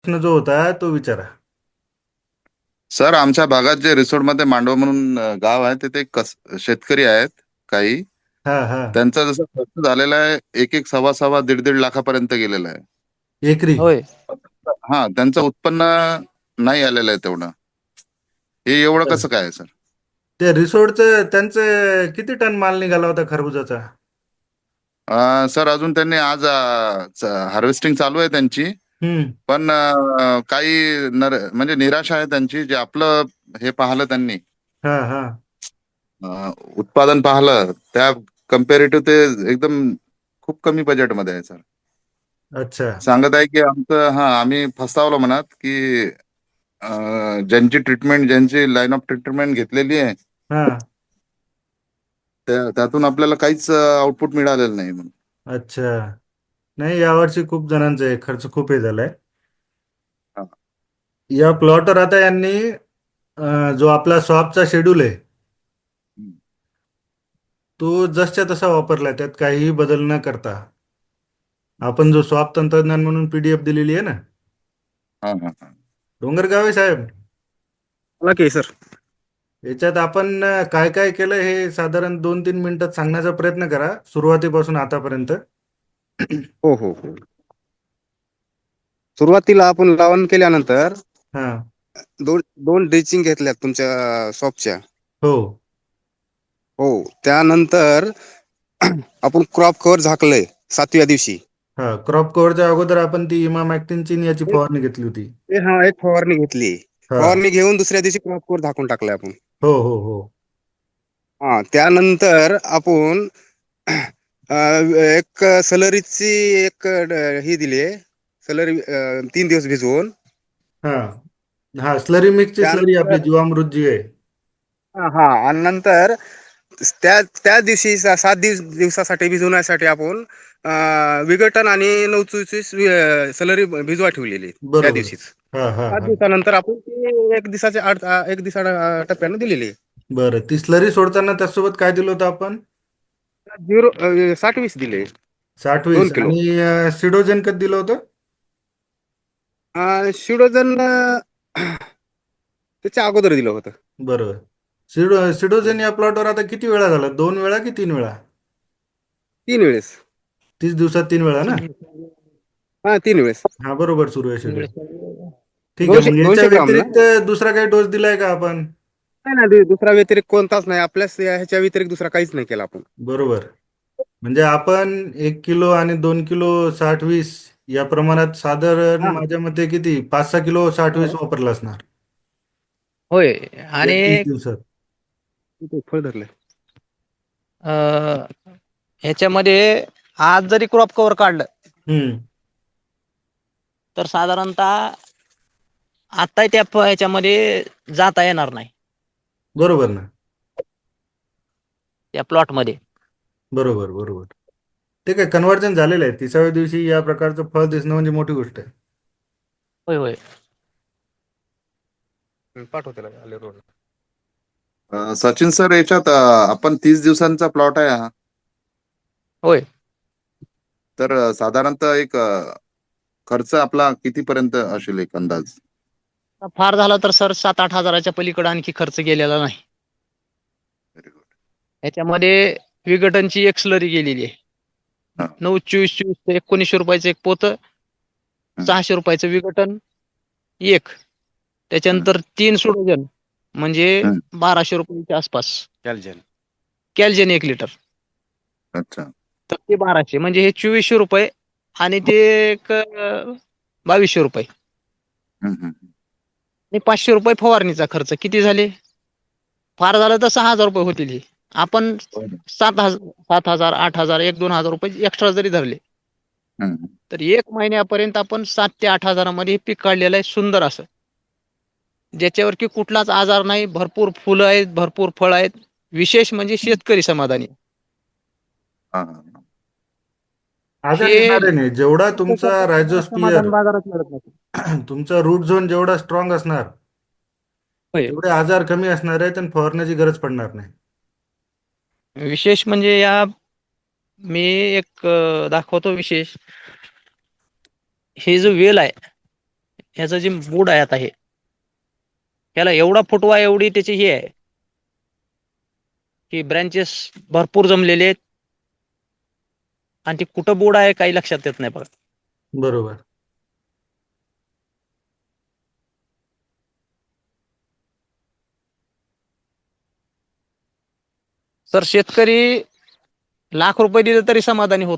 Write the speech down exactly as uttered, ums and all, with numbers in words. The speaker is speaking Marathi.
प्रश्न जो होता तो विचारा. सर, आमच्या भागात जे रिसोडमध्ये मांडव म्हणून अ, गाव आहे तिथे कस शेतकरी आहेत काही. हा हा. त्यांचा जसं खर्च झालेला आहे, एक एक सव्वा सव्वा दीड दीड लाखापर्यंत गेलेला आहे. एकरी. होय. हा, त्यांचं उत्पन्न नाही आलेलं आहे तेवढं. हे एवढं कसं काय आहे, सर? ते रिसोर्टचं त्यांचं किती टन माल निघाला होता खरबुजाचा? अ, सर, अजून त्यांनी आज हार्वेस्टिंग चालू आहे त्यांची. हम्म. पण अ, काही नर म्हणजे निराशा आहे त्यांची, जे आपलं हे पाहिलं त्यांनी. हा हा. अ, उत्पादन पाहिलं त्या कम्पेरेटिव्ह ते एकदम खूप कमी बजेटमध्ये आहे, सर. अच्छा. सांगत आहे की आमचं, हा, आम्ही फसतावलो म्हणत की अ, ज्यांची ट्रीटमेंट, ज्यांची लाईन ऑफ ट्रीटमेंट घेतलेली आहे, हा. त्या त्यातून आपल्याला काहीच आउटपुट मिळालेलं नाही म्हणून. अच्छा. नाही, यावर्षी खूप जणांचा आहे, खर्च खूप हे झालाय. हा. या प्लॉटवर आता यांनी अं, जो आपला स्वॅपचा शेड्यूल आहे हम्म. तो जसच्या तसा वापरलाय, त्यात काहीही बदल न करता. आपण जो स्वॅप तंत्रज्ञान म्हणून पीडीएफ दिलेली आहे ना, हा हा हा. डोंगरगाव आहे साहेब. बोला की सर. याच्यात आपण अं, काय काय केलं हे साधारण दोन तीन मिनिटात सांगण्याचा प्रयत्न करा, सुरुवातीपासून आतापर्यंत. हो हो हो. सुरुवातीला आपण लावण केल्यानंतर हा. दोन दोन ड्रेचिंग घेतल्यात तुमच्या शॉपच्या. हो. हो. त्यानंतर आपण क्रॉप कव्हर झाकलंय सातव्या दिवशी. हा, क्रॉप कव्हरच्या अगोदर आपण ती इमाम ऍक्टिनची याची एक फवारणी घेतली होती. एक- हा एक फवारणी घेतली. हा. फवारणी घेऊन दुसऱ्या दिवशी क्रॉप कव्हर झाकून टाकलंय आपण. हो हो हो. हा, त्यानंतर आपण अ, एक सलरीची एक ड- ही दिली आहे. सलरी अ, तीन दिवस भिजवून. हा हा, स्लरी मिक्सची स्लरी आपली त्यानंतर जीवामृत जी आहे. हा हा, आणि नंतर त्या त्या दिवशी सा- सात दिवस दिवसासाठी भिजवण्यासाठी आपण अं, विघटन आणि नवचुची सलरी भिजवा ठेवलेली त्या बरोबर. दिवशीच. हा हा सात हा. दिवसानंतर आपण ती एक दिवसाच्या आठ एक दिवसा टप्प्याने दिलेली आहे. बरं, ती स्लरी सोडताना त्यासोबत काय दिलं होतं आपण? झिरो अं, साठ वीस दिले. साठ दोन वीस किलो आणि अं, सिडोजन कधी दिलं होतं? अं, शिडोजन अं, त्याच्या अगोदर दिलं होतं. बरोबर. सिडो सिडोजन या प्लॉटवर आता किती वेळा झाला, दोन वेळा की तीन वेळा? तीन वेळेस. तीस दिवसात तीन वेळा ना? हा, तीन वेळेस. हा, बरोबर, सुरू आहे शेड्यूल. ठीक आहे, दोनशे मग याच्या दोनशे ग्राम ना. व्यतिरिक्त दुसरा काही डोस दिलाय का आपण? नाही ना, दु- दुसरा व्यतिरिक्त कोणताच नाही आपल्याच ह्याच्या व्यतिरिक्त दुसरा काहीच नाही केला आपण. बरोबर. म्हणजे आपण एक किलो आणि दोन किलो साठ वीस या प्रमाणात साधारण हा माझ्या मते किती पाच सहा किलो साठ वीस हा. वापरला असणार होय. या तीस आणि दिवसात. इथे फळ धरलंय. अ, ह्याच्यामध्ये आज जरी क्रॉप कव्हर काढलं हम्म. तर साधारणतः आता त्या प- ह्याच्यामध्ये जाता येणार नाही बरोबर ना. त्या प्लॉट मध्ये. बरोबर बरोबर. ते काय कन्व्हर्जन झालेलं आहे, तिसाव्या दिवशी या प्रकारचं फळ दिसणं म्हणजे मोठी गोष्ट आहे. होय होय. पाठव त्याला आले रोड. अ, सचिन सर, याच्यात अ, आपण तीस दिवसांचा प्लॉट आहे हा. होय. तर अ, साधारणतः एक अ, खर्च आपला कितीपर्यंत असेल, एक अंदाज? फार झाला तर सर सात आठ हजाराच्या पलीकडे आणखी खर्च गेलेला नाही. Very good. ह्याच्यामध्ये विघटनची एक स्लरी गेलेली आहे. हा. नऊ चोवीस चोवीस ते एकोणीसशे रुपयाचं एक पोत, हम्म, सहाशे रुपयाचं विघटन एक, हम्म, त्याच्यानंतर तीन सोडोजन म्हणजे हम्म. बाराशे रुपयाच्या आसपास. कॅल्जन. कॅल्जन एक लिटर, अच्छा. तर ते बाराशे म्हणजे हे चोवीसशे रुपये. आणि ते एक अं, बावीसशे रुपये हम्म, हम्म. आणि पाचशे रुपये फवारणीचा खर्च किती झाले? फार झालं तर सहा हजार रुपये होतील. हे आपण बरं. सात हजार सात हजार आठ हजार एक दोन हजार रुपये एक्स्ट्रा जरी धरले हम्म. तर एक महिन्यापर्यंत आपण सात ते आठ हजारामध्ये हे पीक काढलेलं आहे, सुंदर असं, ज्याच्यावर की कुठलाच आजार नाही. भरपूर फुलं आहेत, भरपूर फळ आहेत. विशेष म्हणजे शेतकरी समाधानी. हा, हा. आजार हे येणार नाही जेवढा तुमचा रायझोस्पियर, समाधान बाजारात मिळत नाही. तुमचा रूट झोन जेवढा स्ट्रॉंग असणार होय. तेवढे आजार कमी असणार आहेत आणि फवारण्याची गरज पडणार नाही. विशेष म्हणजे या मी एक अं, दाखवतो विशेष. हे जो वेल आहे ह्याचं जे मूड आहे आता हे ह्याला एवढा फुटवा एवढी त्याची ही आहे की ब्रँचेस भरपूर जमलेले आहेत आणि ती कुठं बोर्ड आहे काही लक्षात येत नाही बघा. बरोबर. सर शेतकरी लाख रुपये दिले तरी समाधानी होत